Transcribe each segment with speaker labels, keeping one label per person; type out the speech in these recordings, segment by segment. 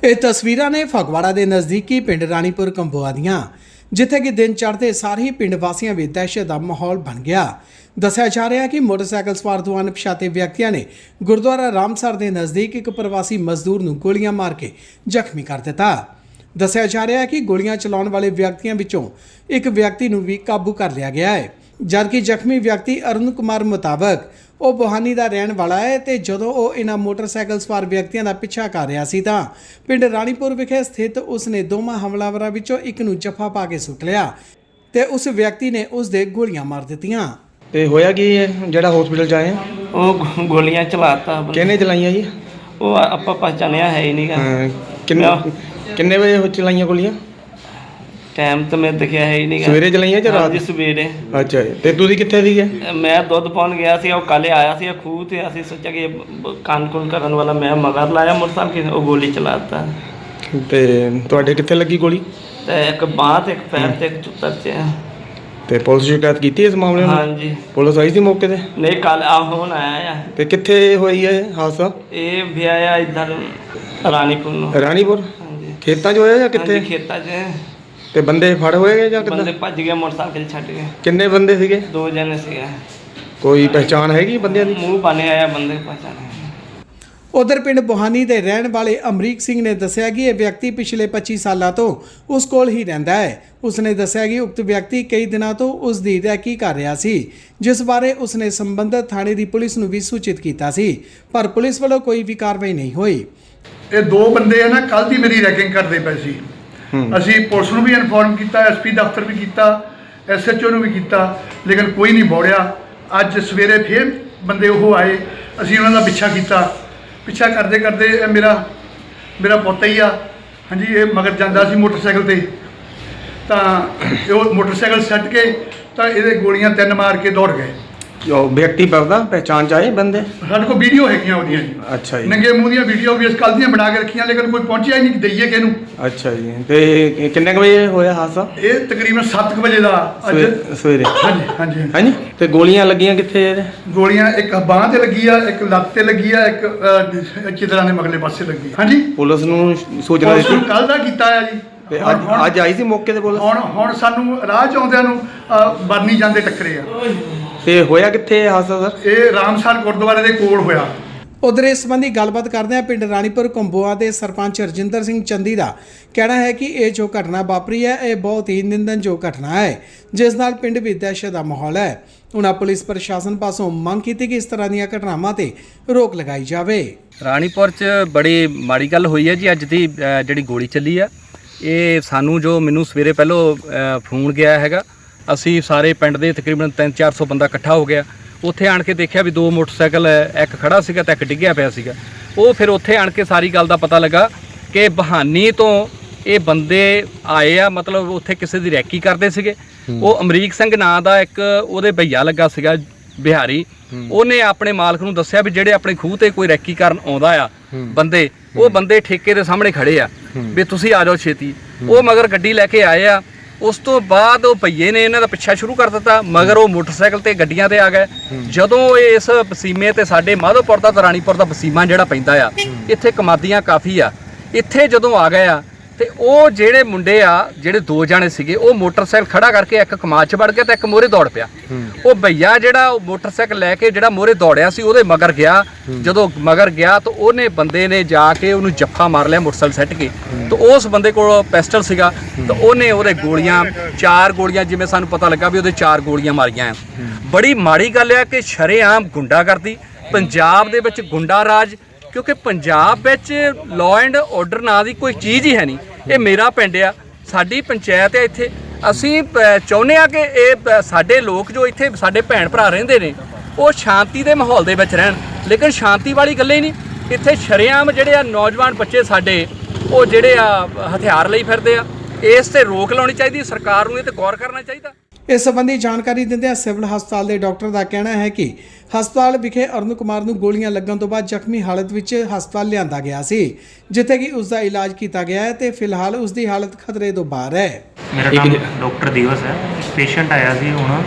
Speaker 1: ਇਹ ਤਸਵੀਰਾਂ ਨੇ ਫਗਵਾੜਾ ਦੇ ਨਜ਼ਦੀਕੀ ਪਿੰਡ ਰਾਣੀਪੁਰ ਕੰਬੋਆ ਦੀਆਂ, ਜਿੱਥੇ ਕਿ ਦਿਨ ਚੜ੍ਹਦੇ ਸਾਰ ਹੀ ਪਿੰਡ ਵਾਸੀਆਂ ਵਿੱਚ ਦਹਿਸ਼ਤ ਦਾ ਮਾਹੌਲ ਬਣ ਗਿਆ। ਦੱਸਿਆ ਜਾ ਰਿਹਾ ਹੈ ਕਿ ਮੋਟਰਸਾਈਕਲ ਸਵਾਰ ਦੋ ਅਣਪਛਾਤੇ ਵਿਅਕਤੀਆਂ ਨੇ ਗੁਰਦੁਆਰਾ ਰਾਮਸਰ ਦੇ ਨਜ਼ਦੀਕ ਇੱਕ ਪ੍ਰਵਾਸੀ ਮਜ਼ਦੂਰ ਨੂੰ ਗੋਲੀਆਂ ਮਾਰ ਕੇ ਜ਼ਖਮੀ ਕਰ ਦਿੱਤਾ। ਦੱਸਿਆ ਜਾ ਰਿਹਾ ਹੈ ਕਿ ਗੋਲੀਆਂ ਚਲਾਉਣ ਵਾਲੇ ਵਿਅਕਤੀਆਂ ਵਿੱਚੋਂ ਇੱਕ ਵਿਅਕਤੀ ਨੂੰ ਵੀ ਕਾਬੂ ਕਰ ਲਿਆ ਗਿਆ ਹੈ, ਜਦਕਿ ਜ਼ਖਮੀ ਵਿਅਕਤੀ ਅਰੁਣ ਕੁਮਾਰ ਮੁਤਾਬਕ ਉਹ ਬੋਹਾਨੀ ਦਾ ਰਹਿਣ ਵਾਲਾ ਹੈ ਤੇ ਜਦੋਂ ਉਹ ਇਹਨਾਂ ਮੋਟਰਸਾਈਕਲ ਸਵਾਰ ਵਿਅਕਤੀਆਂ ਦਾ ਪਿੱਛਾ ਕਰ ਰਿਹਾ ਸੀ ਤਾਂ ਪਿੰਡ ਰਾਣੀਪੁਰ ਵਿਖੇ ਸਥਿਤ ਉਸਨੇ ਦੋਵਾਂ ਹਮਲਾਵਰਾਂ ਵਿੱਚੋਂ ਇੱਕ ਨੂੰ ਜੱਫਾ ਪਾ ਕੇ ਸੁੱਟ ਲਿਆ ਤੇ ਉਸ ਵਿਅਕਤੀ ਨੇ ਉਸ ਦੇ ਗੋਲੀਆਂ ਮਾਰ ਦਿੱਤੀਆਂ।
Speaker 2: ਤੇ ਹੋਇਆ ਕੀ ਹੈ ਜਿਹੜਾ ਹਸਪੀਟਲ ਚ ਆਏ ਆ?
Speaker 3: ਉਹ ਗੋਲੀਆਂ ਚਲਾਤਾ।
Speaker 2: ਕਿਹਨੇ ਚਲਾਈਆਂ ਜੀ?
Speaker 3: ਉਹ ਆਪਾਂ ਪਛਾਣਿਆ ਹੈ ਹੀ ਨਹੀਂਗਾ।
Speaker 2: ਕਿੰਨੇ ਵਜੇ ਚਲਾਈਆਂ ਗੋਲੀਆਂ?
Speaker 3: ਟਾਈਮ ਤਾਂ ਮੈਂ ਦੇਖਿਆ ਹੈ ਹੀ ਨਹੀਂਗਾ।
Speaker 2: ਸਵੇਰੇ ਚਲਾਈਆਂ ਜਾਂ ਰਾਤ?
Speaker 3: ਸਵੇਰੇ।
Speaker 2: ਅੱਛਾ ਜੀ। ਤੇ ਤੁਸੀਂ ਕਿੱਥੇ ਸੀਗੇ?
Speaker 3: ਮੈਂ ਦੁੱਧ ਪਾਉਣ ਗਿਆ ਸੀ, ਉਹ ਕੱਲ੍ਹ ਆਇਆ ਸੀ ਖੂਹ ਤੇ। ਅਸੀਂ ਸੋਚਿਆ ਕਿ ਕਾਨ ਕਰਨ ਵਾਲਾ ਮੈਂ ਮਗਰ ਲਾਇਆ ਮੋਟਰਸਾਈਕਲ, ਉਹ ਗੋਲੀ ਚਲਾਤਾ।
Speaker 2: ਤੇ ਤੁਹਾਡੇ ਕਿੱਥੇ ਲੱਗੀ ਗੋਲੀ?
Speaker 3: ਤੇ ਇੱਕ ਬਾਂਹ ਤੇ ਇੱਕ ਪੈਰ ਤੇ ਇੱਕ ਚੁੱਤਰ ਤੇ।
Speaker 2: ਤੇ ਪੁਲਿਸ ਸ਼ਿਕਾਇਤ ਕੀਤੀ ਇਸ ਮਾਮਲੇ ਨੂੰ?
Speaker 3: ਹਾਂਜੀ।
Speaker 2: ਪੁਲਿਸ ਆਈ ਸੀ ਮੌਕੇ ਤੇ?
Speaker 3: ਨਹੀਂ, ਕੱਲ ਹੁਣ ਆਇਆ ਆ।
Speaker 2: ਤੇ ਕਿੱਥੇ ਹੋਈ ਹੈ ਹਾਦਸਾ?
Speaker 3: ਇਹ ਵੀ ਆਇਆ ਇੱਧਰ ਰਾਣੀਪੁਰ ਨੂੰ।
Speaker 2: ਰਾਣੀਪੁਰ?
Speaker 3: ਹਾਂਜੀ।
Speaker 2: ਖੇਤਾਂ 'ਚ ਹੋਇਆ ਜਾਂ ਕਿੱਥੇ?
Speaker 3: ਖੇਤਾਂ 'ਚ।
Speaker 2: ਤੇ ਬੰਦੇ ਫੜ ਹੋਏ ਜਾਂ ਕਿੱਦਾਂ?
Speaker 3: ਬੰਦੇ ਭੱਜ ਗਏ, ਮੋਟਰਸਾਈਕਲ ਛੱਡ ਗਏ।
Speaker 2: ਕਿੰਨੇ ਬੰਦੇ ਸੀਗੇ?
Speaker 3: 2 ਜਣੇ ਸੀਗੇ।
Speaker 2: ਕੋਈ ਪਹਿਚਾਣ ਹੈਗੀ ਬੰਦਿਆਂ ਦੀ?
Speaker 3: ਮੂੰਹ ਬਣੇ ਆਇਆ ਬੰਦੇ ਪਛਾਣੇ।
Speaker 1: ਉਧਰ ਪਿੰਡ ਬੋਹਾਨੀ ਦੇ ਰਹਿਣ ਵਾਲੇ ਅਮਰੀਕ ਸਿੰਘ ਨੇ ਦੱਸਿਆ ਕਿ ਇਹ ਵਿਅਕਤੀ ਪਿਛਲੇ 25 ਸਾਲਾਂ ਤੋਂ ਉਸ ਕੋਲ ਹੀ ਰਹਿੰਦਾ ਹੈ। ਉਸਨੇ ਦੱਸਿਆ ਕਿ ਉਕਤ ਵਿਅਕਤੀ ਕਈ ਦਿਨਾਂ ਤੋਂ ਉਸ ਦੀ ਰੈਕੀ ਕਰ ਰਿਹਾ ਸੀ, ਜਿਸ ਬਾਰੇ ਉਸਨੇ ਸੰਬੰਧਿਤ ਥਾਣੇ ਦੀ ਪੁਲਿਸ ਨੂੰ ਵੀ ਸੂਚਿਤ ਕੀਤਾ ਸੀ, ਪਰ ਪੁਲਿਸ ਵੱਲੋਂ ਕੋਈ ਵੀ ਕਾਰਵਾਈ ਨਹੀਂ ਹੋਈ।
Speaker 4: ਇਹ 2 ਬੰਦੇ ਆ ਨਾ, ਕੱਲ ਦੀ ਮੇਰੀ ਰੈਕਿੰਗ ਕਰਦੇ ਪਏ ਸੀ। ਅਸੀਂ ਪੁਲਿਸ ਨੂੰ ਵੀ ਇਨਫੋਰਮ ਕੀਤਾ, ਐਸਪੀ ਦਫ਼ਤਰ ਵੀ ਕੀਤਾ, ਐਸਐਚਓ ਨੂੰ ਵੀ ਕੀਤਾ, ਲੇਕਿਨ ਕੋਈ ਨਹੀਂ ਬੋੜਿਆ। ਅੱਜ ਸਵੇਰੇ ਫਿਰ ਬੰਦੇ ਉਹ ਆਏ, ਅਸੀਂ ਉਹਨਾਂ ਦਾ ਪਿੱਛਾ ਕੀਤਾ। ਪਿੱਛਾ ਕਰਦੇ ਕਰਦੇ ਇਹ ਮੇਰਾ ਪੁੱਤ ਹੀ ਆ। ਹਾਂਜੀ, ਇਹ ਮਗਰ ਜਾਂਦਾ ਸੀ ਮੋਟਰਸਾਈਕਲ ਤੇ, ਤਾਂ ਉਹ ਮੋਟਰਸਾਈਕਲ ਛੱਡ ਕੇ ਤਾਂ ਇਹਦੇ ਗੋਲੀਆਂ 3 ਮਾਰ ਕੇ ਦੌੜ ਗਏ।
Speaker 2: ਉਹ ਵਿਅਕਤੀ ਪਰਦਾ ਪਹਿਚਾਣ ਚ ਆਏ ਬੰਦੇ?
Speaker 4: ਸਾਡੇ ਕੋਲ ਵੀਡੀਓ ਹੈਗੀਆਂ ਉਹਦੀਆਂ ਜੀ।
Speaker 2: ਅੱਛਾ ਜੀ।
Speaker 4: ਨੰਗੇ ਮੂੰਹ ਦੀਆਂ ਵੀਡੀਓ ਵੀ ਇਸ ਕੱਲ ਦੀਆਂ ਬਣਾ ਕੇ ਰੱਖੀਆਂ, ਲੇਕਿਨ ਕੋਈ ਪਹੁੰਚਿਆ ਹੀ ਨਹੀਂ ਦਈਏ ਕਿਹਨੂੰ।
Speaker 2: ਅੱਛਾ ਜੀ। ਤੇ ਕਿੰਨੇ ਕੁ ਵਜੇ ਹੋਇਆ ਹਾਦਸਾ?
Speaker 4: ਇਹ ਤਕਰੀਬਨ 7 ਵਜੇ ਦਾ ਅੱਜ
Speaker 2: ਸਵੇਰੇ?
Speaker 4: ਹਾਂਜੀ ਹਾਂਜੀ
Speaker 2: ਹਾਂਜੀ। ਤੇ ਗੋਲੀਆਂ ਲੱਗੀਆਂ ਕਿੱਥੇ ਇਹਦੇ?
Speaker 4: ਗੋਲੀਆਂ ਇੱਕ ਬਾਂਹ ਤੇ ਲੱਗੀ ਆ, ਇੱਕ ਲੱਤ ਤੇ ਲੱਗੀ ਆ, ਇੱਕ ਚਿਤਰਾਂ ਦੇ ਮਗਲੇ ਪਾਸੇ ਲੱਗੀ। ਹਾਂਜੀ,
Speaker 2: ਪੁਲਿਸ ਨੂੰ ਸੂਚਨਾ ਦਿੱਤੀ?
Speaker 4: ਕੱਲ ਦਾ ਕੀਤਾ ਆ ਜੀ।
Speaker 2: ਤੇ ਅੱਜ ਆਈ ਸੀ ਮੌਕੇ ਤੇ ਪੁਲਿਸ?
Speaker 4: ਹੁਣ ਸਾਨੂੰ ਰਾਹ ਚ ਆਉਂਦਿਆਂ ਨੂੰ ਬਰਨੀ ਜਾਂਦੇ ਟੱਕਰੇ ਆ।
Speaker 2: ਤੇ ਹੋਇਆ ਕਿੱਥੇ ਹਾਦਸਾ ਸਰ?
Speaker 4: ਇਹ ਰਾਮਸਰ ਗੁਰਦੁਆਰੇ ਦੇ ਕੋਲ ਹੋਇਆ।
Speaker 1: ਉਧਰ ਇਸ ਸੰਬੰਧੀ ਗੱਲਬਾਤ ਕਰਦਿਆਂ ਪਿੰਡ ਰਾਣੀਪੁਰ ਕੰਬੋਆ ਦੇ ਸਰਪੰਚ ਰਜਿੰਦਰ ਸਿੰਘ ਚੰਦੀ ਦਾ ਕਹਿਣਾ ਹੈ ਕਿ ਇਹ ਜੋ ਘਟਨਾ ਵਾਪਰੀ ਹੈ, ਇਹ ਬਹੁਤ ਹੀ ਨਿੰਦਣਯੋਗ ਘਟਨਾ ਹੈ, ਜਿਸ ਨਾਲ ਪਿੰਡ ਵਿੱਚ ਦਹਿਸ਼ਤ ਦਾ ਮਾਹੌਲ ਹੈ। ਉਹਨਾਂ ਪੁਲਿਸ ਪ੍ਰਸ਼ਾਸਨ ਪਾਸੋਂ ਮੰਗ ਕੀਤੀ ਕਿ ਇਸ ਤਰ੍ਹਾਂ ਦੀਆਂ ਘਟਨਾਵਾਂ ਤੇ ਰੋਕ ਲਗਾਈ ਜਾਵੇ।
Speaker 5: ਰਾਣੀਪੁਰ 'ਚ ਬੜੀ ਮਾੜੀ ਗੱਲ ਹੋਈ ਹੈ ਜੀ। ਅੱਜ ਦੀ ਜਿਹੜੀ ਗੋਲੀ ਚੱਲੀ ਆ, ਇਹ ਸਾਨੂੰ ਜੋ ਮੈਨੂੰ ਸਵੇਰੇ ਪਹਿਲੋਂ ਫੋਨ ਗਿਆ ਹੈਗਾ, ਅਸੀਂ ਸਾਰੇ ਪਿੰਡ ਦੇ ਤਕਰੀਬਨ 300-400 ਬੰਦਾ ਇਕੱਠਾ ਹੋ ਗਿਆ। ਉੱਥੇ ਆਣ ਕੇ ਦੇਖਿਆ ਵੀ 2 ਮੋਟਰਸਾਈਕਲ, ਇੱਕ ਖੜਾ ਸੀਗਾ ਤੇ ਇੱਕ ਡਿੱਗਿਆ ਪਿਆ ਸੀਗਾ। ਉਹ ਫਿਰ ਉੱਥੇ ਆਣ ਕੇ ਸਾਰੀ ਗੱਲ ਦਾ ਪਤਾ ਲੱਗਾ ਕਿ ਬਹਾਨੀ ਤੋਂ ਇਹ ਬੰਦੇ ਆਏ ਆ, ਮਤਲਬ ਉੱਥੇ ਕਿਸੇ ਦੀ ਰੈਕੀ ਕਰਦੇ ਸੀਗੇ। ਉਹ ਅਮਰੀਕ ਸਿੰਘ ਨਾਂ ਦਾ ਇੱਕ ਉਹਦੇ ਭਈਆ ਲੱਗਾ ਸੀਗਾ ਬਿਹਾਰੀ, ਉਹਨੇ ਆਪਣੇ ਮਾਲਕ ਨੂੰ ਦੱਸਿਆ ਵੀ ਜਿਹੜੇ ਆਪਣੇ ਖੂਹ ਤੇ ਕੋਈ ਰੈਕੀ ਕਰਨ ਆਉਂਦਾ ਆ ਬੰਦੇ, ਉਹ ਬੰਦੇ ਠੇਕੇ ਦੇ ਸਾਹਮਣੇ ਖੜੇ ਆ ਵੀ ਤੁਸੀਂ ਆ ਜਾਓ ਛੇਤੀ। ਉਹ ਮਗਰ ਗੱਡੀ ਲੈ ਕੇ ਆਏ ਆ। ਉਸ ਤੋਂ ਬਾਅਦ ਉਹ ਭਈਏ ਨੇ ਇਹਨਾਂ ਦਾ ਪਿੱਛਾ ਸ਼ੁਰੂ ਕਰ ਦਿੱਤਾ, ਮਗਰ ਉਹ ਮੋਟਰਸਾਈਕਲ ਤੇ ਗੱਡੀਆਂ ਤੇ ਆ ਗਏ। ਜਦੋਂ ਇਸ ਵਸੀਮੇ ਤੇ ਸਾਡੇ ਮਾਧੋਪੁਰ ਦਾ ਰਾਣੀਪੁਰ ਦਾ ਵਸੀਮਾ ਜਿਹੜਾ ਪੈਂਦਾ ਆ, ਇੱਥੇ ਕਮਾਦੀਆਂ ਕਾਫੀ ਆ, ਇੱਥੇ ਜਦੋਂ ਆ ਗਏ ਆ ਤੇ ਉਹ ਜਿਹੜੇ ਮੁੰਡੇ ਆ, ਜਿਹੜੇ 2 ਜਾਣੇ ਸੀਗੇ, ਉਹ ਮੋਟਰਸਾਈਕਲ ਖੜਾ ਕਰਕੇ ਇੱਕ ਕਮਾਦ 'ਚ ਵੜ ਗਿਆ ਤੇ ਇੱਕ ਮੋਹਰੇ ਦੌੜ ਪਿਆ। ਉਹ ਭਈਆ ਜਿਹੜਾ ਉਹ ਮੋਟਰਸਾਈਕਲ ਲੈ ਕੇ ਜਿਹੜਾ ਮੋਹਰੇ ਦੌੜਿਆ ਸੀ, ਉਹਦੇ ਮਗਰ ਗਿਆ। ਜਦੋਂ ਮਗਰ ਗਿਆ ਤਾਂ ਉਹਨੇ ਬੰਦੇ ਨੇ ਜਾ ਕੇ ਉਹਨੂੰ ਜੱਫਾ ਮਾਰ ਲਿਆ ਮੋਟਰਸਾਈਕਲ ਸੱਟ ਕੇ। ਤਾਂ ਉਸ ਬੰਦੇ ਕੋਲ ਪਿਸਟਲ ਸੀਗਾ, ਤਾਂ ਉਹਨੇ ਉਹਦੇ ਗੋਲੀਆਂ 4 ਗੋਲੀਆਂ, ਜਿਵੇਂ ਸਾਨੂੰ ਪਤਾ ਲੱਗਾ ਵੀ ਉਹਦੇ 4 ਗੋਲੀਆਂ ਮਾਰੀਆਂ। ਬੜੀ ਮਾੜੀ ਗੱਲ ਆ ਕਿ ਸ਼ਰੇਆਮ ਗੁੰਡਾਗਰਦੀ ਪੰਜਾਬ ਦੇ ਵਿੱਚ, ਗੁੰਡਾ ਰਾਜ, ਕਿਉਂਕਿ ਪੰਜਾਬ ਵਿੱਚ ਲਾਅ ਐਂਡ ਆਰਡਰ ਨਾਂ ਦੀ ਕੋਈ ਚੀਜ਼ ਹੀ ਹੈ ਨਹੀਂ। ਇਹ ਮੇਰਾ ਪਿੰਡ ਆ, ਸਾਡੀ ਪੰਚਾਇਤ ਹੈ ਇੱਥੇ। ਅਸੀਂ ਚਾਹੁੰਦੇ ਆ ਕਿ ਇਹ ਸਾਡੇ ਲੋਕ ਜੋ ਇੱਥੇ ਸਾਡੇ ਭੈਣ ਭਰਾ ਰਹਿੰਦੇ ਨੇ, ਉਹ ਸ਼ਾਂਤੀ ਦੇ ਮਾਹੌਲ ਦੇ ਵਿੱਚ ਰਹਿਣ, ਲੇਕਿਨ ਸ਼ਾਂਤੀ ਵਾਲੀ ਗੱਲ ਹੀ ਨਹੀਂ। ਇੱਥੇ ਸ਼ਰੇਆਮ ਜਿਹੜੇ ਆ ਨੌਜਵਾਨ ਬੱਚੇ ਸਾਡੇ, ਉਹ ਜਿਹੜੇ ਆ ਹਥਿਆਰ ਲਈ ਫਿਰਦੇ ਆ। ਇਸ ਤੇ ਰੋਕ ਲਾਉਣੀ ਚਾਹੀਦੀ, ਸਰਕਾਰ ਨੂੰ ਇਹ ਤੇ ਗੌਰ ਕਰਨਾ ਚਾਹੀਦਾ।
Speaker 1: ਇਸ ਸੰਬੰਧੀ ਜਾਣਕਾਰੀ ਦਿੰਦਿਆਂ ਸਿਵਲ ਹਸਪਤਾਲ ਦੇ ਡਾਕਟਰ ਦਾ ਕਹਿਣਾ ਹੈ ਕਿ ਹਸਪਤਾਲ ਵਿਖੇ ਅਰੁਣ ਕੁਮਾਰ ਨੂੰ ਗੋਲੀਆਂ ਲੱਗਣ ਤੋਂ ਬਾਅਦ ਜ਼ਖਮੀ ਹਾਲਤ ਵਿੱਚ ਹਸਪਤਾਲ ਲਿਆਂਦਾ ਗਿਆ ਸੀ, ਜਿੱਥੇ ਕਿ ਉਸ ਦਾ ਇਲਾਜ ਕੀਤਾ ਗਿਆ ਹੈ ਤੇ ਫਿਲਹਾਲ ਉਸ ਦੀ ਹਾਲਤ ਖਤਰੇ ਤੋਂ ਬਾਹਰ ਹੈ।
Speaker 6: ਮੇਰਾ ਨਾਮ ਡਾਕਟਰ ਦਿਵਸ ਹੈ। ਪੇਸ਼ੈਂਟ ਆਇਆ ਸੀ ਹੁਣ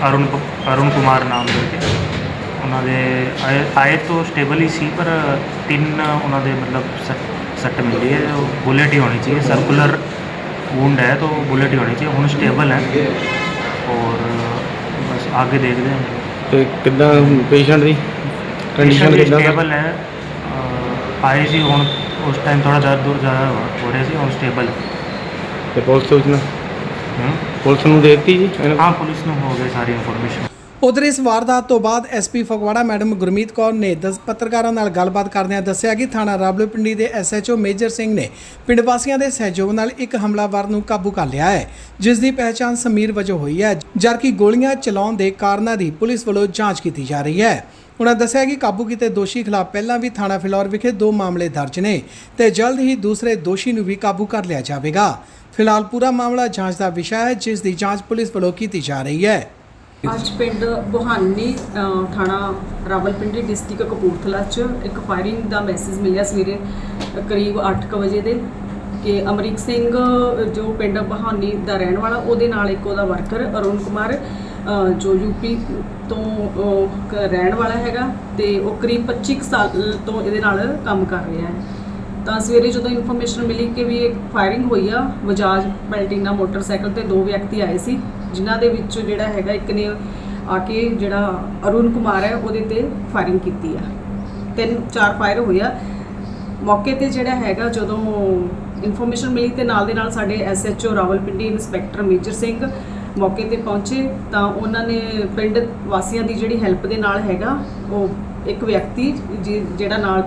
Speaker 6: ਅਰੁਣ ਕੁਮਾਰ ਨਾਮ ਦੇ। ਉਹਨਾਂ ਦੇ ਆਏ ਤੋਂ ਸਟੇਬਲ ਹੀ ਸੀ, ਪਰ 3 ਉਹਨਾਂ ਦੇ ਮਤਲਬ सट मिली है, वो बुलेट ही होनी चाहिए, सर्कुलर वुंड है तो बुलेट ही होनी चाहिए। ਹੁਣ स्टेबल है और बस आगे देखते हैं।
Speaker 2: ਤੇ ਕਿੱਦਾਂ ਪੇਸ਼ੈਂਟ ਦੀ ਕੰਡੀਸ਼ਨ
Speaker 6: पेशेंट
Speaker 2: ਕਿੱਦਾਂ
Speaker 6: स्टेबल है, आए सी ਹੁਣ उस टाइम थोड़ा दर्द दूर ज़्यादा हो रहे सी, ਹੁਣ स्टेबल है।
Speaker 2: ਤੇ ਪੁਲਿਸ ਸੂਚਨਾ ਪੁਲਿਸ ਨੂੰ ਦੇ ਦਿੱਤੀ ਜੀ ਇਹਨਾਂ
Speaker 6: हाँ पुलिस ਨੂੰ हो गई सारी इन्फॉर्मेशन।
Speaker 1: ਉਧਰ ਇਸ ਵਾਰਦਾਤ ਤੋਂ ਬਾਅਦ ਐਸਪੀ ਫਗਵਾੜਾ ਮੈਡਮ ਗੁਰਮੀਤ ਕੌਰ ਨੇ ਪੱਤਰਕਾਰਾਂ ਨਾਲ ਗੱਲਬਾਤ ਕਰਦਿਆਂ ਦੱਸਿਆ ਕਿ ਥਾਣਾ ਰਾਵਲਪਿੰਡੀ ਦੇ ਐਸਐਚਓ ਮੇਜਰ ਸਿੰਘ ਨੇ ਪਿੰਡ ਵਾਸੀਆਂ ਦੇ ਸਹਿਯੋਗ ਨਾਲ ਇੱਕ ਹਮਲਾਵਰ ਨੂੰ ਕਾਬੂ ਕਰ ਲਿਆ ਹੈ, ਜਿਸ ਦੀ ਪਹਿਚਾਣ ਸਮੀਰ ਵਜੋਂ ਹੋਈ ਹੈ, ਜਦਕਿ ਗੋਲੀਆਂ ਚਲਾਉਣ ਦੇ ਕਾਰਨਾਂ ਦੀ ਪੁਲਿਸ ਵੱਲੋਂ ਜਾਂਚ ਕੀਤੀ ਜਾ ਰਹੀ ਹੈ। ਉਨ੍ਹਾਂ ਦੱਸਿਆ ਕਿ ਕਾਬੂ ਕੀਤੇ ਦੋਸ਼ੀ ਖਿਲਾਫ ਪਹਿਲਾਂ ਵੀ ਥਾਣਾ ਫਿਲੌਰ ਵਿਖੇ 2 ਮਾਮਲੇ ਦਰਜ ਨੇ ਤੇ ਜਲਦ ਹੀ ਦੂਸਰੇ ਦੋਸ਼ੀ ਨੂੰ ਵੀ ਕਾਬੂ ਕਰ ਲਿਆ ਜਾਵੇਗਾ। ਫਿਲਹਾਲ ਪੂਰਾ ਮਾਮਲਾ ਜਾਂਚ ਦਾ ਵਿਸ਼ਾ ਹੈ, ਜਿਸ ਦੀ ਜਾਂਚ ਪੁਲਿਸ ਵੱਲੋਂ ਕੀਤੀ ਜਾ ਰਹੀ ਹੈ।
Speaker 7: ਅੱਜ ਪਿੰਡ ਬੁਹਾਨੀ ਥਾਣਾ ਰਾਵਲਪਿੰਡੀ ਡਿਸਟ੍ਰਿਕਟ ਕਪੂਰਥਲਾ 'ਚ ਇੱਕ ਫਾਇਰਿੰਗ ਦਾ ਮੈਸੇਜ ਮਿਲਿਆ ਸਵੇਰੇ ਕਰੀਬ 8:00 ਵਜੇ ਦੇ ਕਿ ਅਮਰੀਕ ਸਿੰਘ ਜੋ ਪਿੰਡ ਬੁਹਾਨੀ ਦਾ ਰਹਿਣ ਵਾਲਾ, ਉਹਦੇ ਨਾਲ ਇੱਕ ਉਹਦਾ ਵਰਕਰ ਅਰੁਣ ਕੁਮਾਰ ਜੋ ਯੂਪੀ ਤੋਂ ਰਹਿਣ ਵਾਲਾ ਹੈਗਾ ਤੇ ਉਹ ਕਰੀਬ 25 ਸਾਲ ਤੋਂ ਇਹਦੇ ਨਾਲ ਕੰਮ ਕਰ ਰਿਹਾ ਹੈ। ਤਾਂ ਸਵੇਰੇ ਜਦੋਂ ਇਨਫੋਰਮੇਸ਼ਨ ਮਿਲੀ ਕਿ ਵੀ ਇੱਕ ਫਾਇਰਿੰਗ ਹੋਈ ਆ ਬਜਾਜ ਪੈਲਟੀਨਾ ਮੋਟਰਸਾਈਕਲ ਤੇ 2 ਵਿਅਕਤੀ ਆਏ ਸੀ, ਜਿਨ੍ਹਾਂ ਦੇ ਵਿੱਚ ਜਿਹੜਾ ਹੈਗਾ ਇੱਕ ਨੇ ਆ ਕੇ ਜਿਹੜਾ ਅਰੁਣ ਕੁਮਾਰ ਹੈ ਉਹਦੇ ਤੇ ਫਾਇਰਿੰਗ ਕੀਤੀ ਆ। 3-4 ਫਾਇਰ ਹੋਏ ਆ। ਮੌਕੇ ਤੇ ਜਿਹੜਾ ਹੈਗਾ ਜਦੋਂ ਇਨਫੋਰਮੇਸ਼ਨ ਮਿਲੀ ਤੇ ਨਾਲ ਦੇ ਨਾਲ ਸਾਡੇ SHO Rawalpindi inspector Major Singh ਮੌਕੇ ਤੇ ਪਹੁੰਚੇ ਤਾਂ ਉਹਨਾਂ ਨੇ ਪਿੰਡ ਵਾਸੀਆਂ ਦੀ ਜਿਹੜੀ ਹੈਲਪ ਦੇ ਨਾਲ ਹੈਗਾ ਉਹ ਇੱਕ ਵਿਅਕਤੀ ਜਿਹੜਾ ਨਾਲ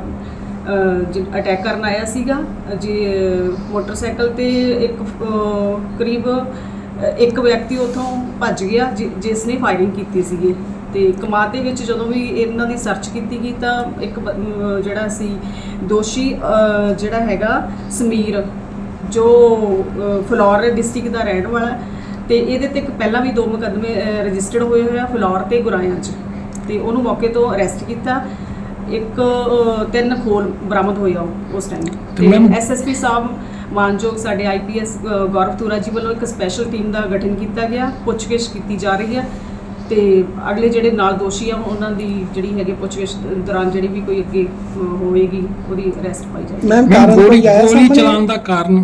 Speaker 7: ਅਟੈਕ ਕਰਨ ਆਇਆ ਸੀਗਾ ਜੀ ਮੋਟਰਸਾਈਕਲ ਤੇ ਇੱਕ ਕਰੀਬ ਇੱਕ ਵਿਅਕਤੀ ਉੱਥੋਂ ਭੱਜ ਗਿਆ ਜਿਸ ਨੇ ਫਾਇਰਿੰਗ ਕੀਤੀ ਸੀਗੀ। ਤੇ ਕਮਾਦ ਦੇ ਵਿੱਚ ਜਦੋਂ ਵੀ ਇਹਨਾਂ ਦੀ ਸਰਚ ਕੀਤੀ ਗਈ ਤਾਂ ਇੱਕ ਜਿਹੜਾ ਸੀ ਦੋਸ਼ੀ ਜਿਹੜਾ ਹੈਗਾ ਸਮੀਰ ਜੋ ਫਲੋਰ ਡਿਸਟ੍ਰਿਕਟ ਦਾ ਰਹਿਣ ਵਾਲਾ ਤੇ ਇਹਦੇ ਤੇ ਇੱਕ ਪਹਿਲਾਂ ਵੀ 2 ਮੁਕੱਦਮੇ ਰਜਿਸਟਰਡ ਹੋਏ ਹੋਏ ਆ ਫਲੋਰ ਤੇ ਗੁਰਾਇਆਂ 'ਚ ਤੇ ਉਹਨੂੰ ਮੌਕੇ ਤੋਂ ਅਰੈਸਟ ਕੀਤਾ। ਇੱਕ 3 ਖੋਲ ਬਰਾਮਦ ਹੋਇਆ ਉਸ ਟਾਈਮ ਤੇ ਐਸਐਸਪੀ ਸਾਹਿਬ ਮਾਨਯੋਗ ਸਾਡੇ ਆਈਪੀਐਸ ਗੌਰਵ ਤੁਰਾ ਜੀ ਵੱਲੋਂ ਇੱਕ ਸਪੈਸ਼ਲ ਟੀਮ ਦਾ ਗਠਨ ਕੀਤਾ ਗਿਆ, ਪੁੱਛਗਿੱਛ ਕੀਤੀ ਜਾ ਰਹੀ ਹੈ ਤੇ ਅਗਲੇ ਜਿਹੜੇ ਨਾਲ ਦੋਸ਼ੀ ਆ ਉਹਨਾਂ ਦੀ ਜਿਹੜੀ ਹੈਗੇ ਪੁੱਛਗਿੱਛ ਦੌਰਾਨ ਜਿਹੜੀ ਵੀ ਕੋਈ ਅੱਗੇ ਹੋਵੇਗੀ ਉਹਦੀ ਅਰੈਸਟ ਪਾਈ ਜਾਏਗੀ।
Speaker 1: ਮੈਮ ਗੋਲੀ
Speaker 8: ਚਲਾਉਣ ਦਾ ਕਾਰਨ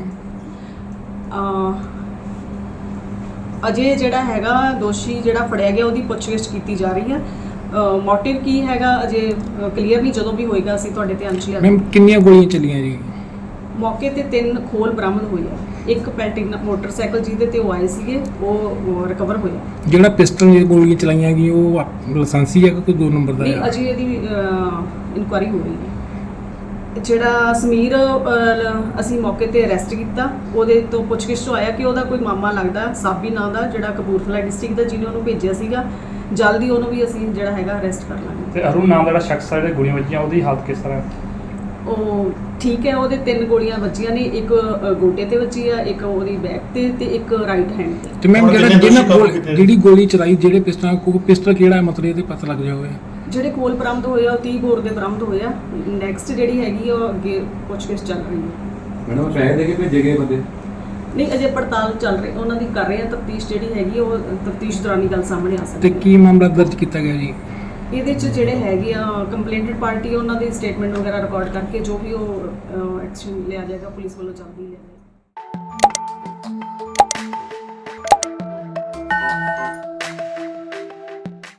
Speaker 7: ਅਜੇ ਜਿਹੜਾ ਹੈਗਾ ਦੋਸ਼ੀ ਜਿਹੜਾ ਫੜਿਆ ਗਿਆ ਉਹਦੀ ਪੁੱਛਗਿੱਛ ਕੀਤੀ ਜਾ ਰਹੀ ਹੈ। ਮੋਟਿਵ ਕੀ ਹੈਗਾ ਅਜੇ ਕਲੀਅਰ ਨਹੀਂ, ਜਦੋਂ ਵੀ ਹੋਏਗਾ ਅਸੀਂ ਤੁਹਾਡੇ ਧਿਆਨ 'ਚ ਲਿਆ।
Speaker 8: ਮੈਮ ਕਿੰਨੀਆਂ ਗੋਲੀਆਂ ਚੱਲੀਆਂ ਜੀ?
Speaker 7: ਮੌਕੇ ਤੇ 3 ਖੋਲ ਬਰਾਮਦ ਹੋਏ ਆ, ਇੱਕ ਪੈਲਟਿਨਾ ਮੋਟਰਸਾਈਕਲ ਜਿਹਦੇ ਤੇ ਉਹ ਆਏ ਸੀਗੇ ਉਹ ਰਿਕਵਰ ਹੋਇਆ।
Speaker 8: ਜਿਹੜਾ ਪਿਸਟਲ ਦੀਆਂ ਗੋਲੀਆਂ ਚਲਾਈਆਂ ਗਈਆਂ ਉਹ ਲਾਇਸੈਂਸੀ ਹੈ ਕਿ ਕੋਈ 2 ਨੰਬਰ ਦਾ
Speaker 7: ਨਹੀਂ,
Speaker 8: ਹੈ?
Speaker 7: ਅਜੇ ਇਹਦੀ ਇਨਕੁਆਇਰੀ ਹੋ ਰਹੀ ਹੈ। ਜਿਹੜਾ ਸਮੀਰ ਅਸੀਂ ਮੌਕੇ ਤੇ ਅਰੈਸਟ ਕੀਤਾ, ਉਹਦੇ ਤੋਂ ਪੁੱਛਗਿੱਛ ਤੋਂ ਆਇਆ ਕਿ ਉਹਦਾ ਕੋਈ ਮਾਮਾ ਲੱਗਦਾ ਸਾਬੀ ਨਾਂ ਦਾ ਜਿਹੜਾ ਕਪੂਰਥਲਾ ਡਿਸਟ੍ਰਿਕਟ ਦਾ ਜਿਹਨੇ ਉਹਨੂੰ ਭੇਜਿਆ ਸੀਗਾ, ਜਲਦੀ ਉਹਨੂੰ ਵੀ ਅਸੀਂ ਜਿਹੜਾ ਹੈਗਾ ਅਰੈਸਟ ਕਰ ਲਾਂਗੇ।
Speaker 9: ਤੇ ਅਰੁਣ ਨਾਮ ਦਾ ਜਿਹੜਾ ਸ਼ਖਸ ਹੈ, ਜਿਹੜੇ ਗੋਲੀਆਂ ਵੱਜੀਆਂ ਉਹਦੀ ਹਾਲਤ ਕਿਸ ਤਰ੍ਹਾਂ ਹੈ?
Speaker 7: ਉਹ ਠੀਕ ਹੈ, ਉਹਦੇ 3 ਗੋਲੀਆਂ ਵੱਜੀਆਂ ਨੇ, ਇੱਕ ਗੋਡੇ ਤੇ ਵੱਜੀ ਆ, ਇੱਕ ਉਹਦੀ ਬੈਕ ਤੇ ਇੱਕ ਰਾਈਟ ਹੈਂਡ ਤੇ।
Speaker 8: ਤੇ ਮੈਮ ਜਿਹੜੀ ਗੋਲੀ ਚਲਾਈ ਜਿਹੜੇ ਪਿਸਟਲ ਕਿਹੜਾ ਹੈ, ਮਤਲਬ ਇਹਦੇ ਪਤਾ ਲੱਗ ਜਾਵੇ?
Speaker 7: ਜਿਹੜੇ ਕੋਲ ਬਰਾਮਦ ਹੋਏ ਆ ਉਹ 30 ਬੋਰ ਦੇ ਬਰਾਮਦ ਹੋਏ ਆ। ਨੈਕਸਟ ਜਿਹੜੀ ਹੈਗੀ ਉਹ ਅੱਗੇ ਪੁੱਛਗਿੱਛ ਚੱਲ ਰਹੀ ਹੈ।
Speaker 10: ਮੈਡਮ ਪੈਸੇ ਦੇ ਕੇ ਭੇਜੇ ਗਏ ਬੰਦੇ?
Speaker 7: ਨਹੀਂ, ਅਜੇ ਪੜਤਾਲ ਚੱਲ ਰਹੀ, ਉਹਨਾਂ ਦੀ ਕਰ ਰਹੇ ਆ ਤਫਤੀਸ਼ ਜਿਹੜੀ ਹੈਗੀ ਉਹ ਤਫਤੀਸ਼ ਦੌਰਾਨ ਹੀ ਗੱਲ ਸਾਹਮਣੇ ਆ
Speaker 8: ਤੇ
Speaker 7: ਸਕਦੀ ਹੈ।
Speaker 8: ਕੀ ਮਾਮਲਾ ਦਰਜ ਕੀਤਾ ਗਿਆ ਜੀ?
Speaker 7: ਇਹਦੇ 'ਚ ਜਿਹੜੇ ਹੈਗੇ ਆ ਕੰਪਲੇਂਟਡ ਪਾਰਟੀ ਉਹਨਾਂ ਦੀ ਸਟੇਟਮੈਂਟ ਵਗੈਰਾ ਰਿਕਾਰਡ ਕਰਕੇ ਜੋ ਵੀ ਉਹ ਐਕਸ਼ਨ ਲਿਆ ਜਾਏਗਾ ਪੁਲਿਸ ਵੱਲੋਂ ਜਲਦੀ ਲਿਆ ਜਾਏਗਾ।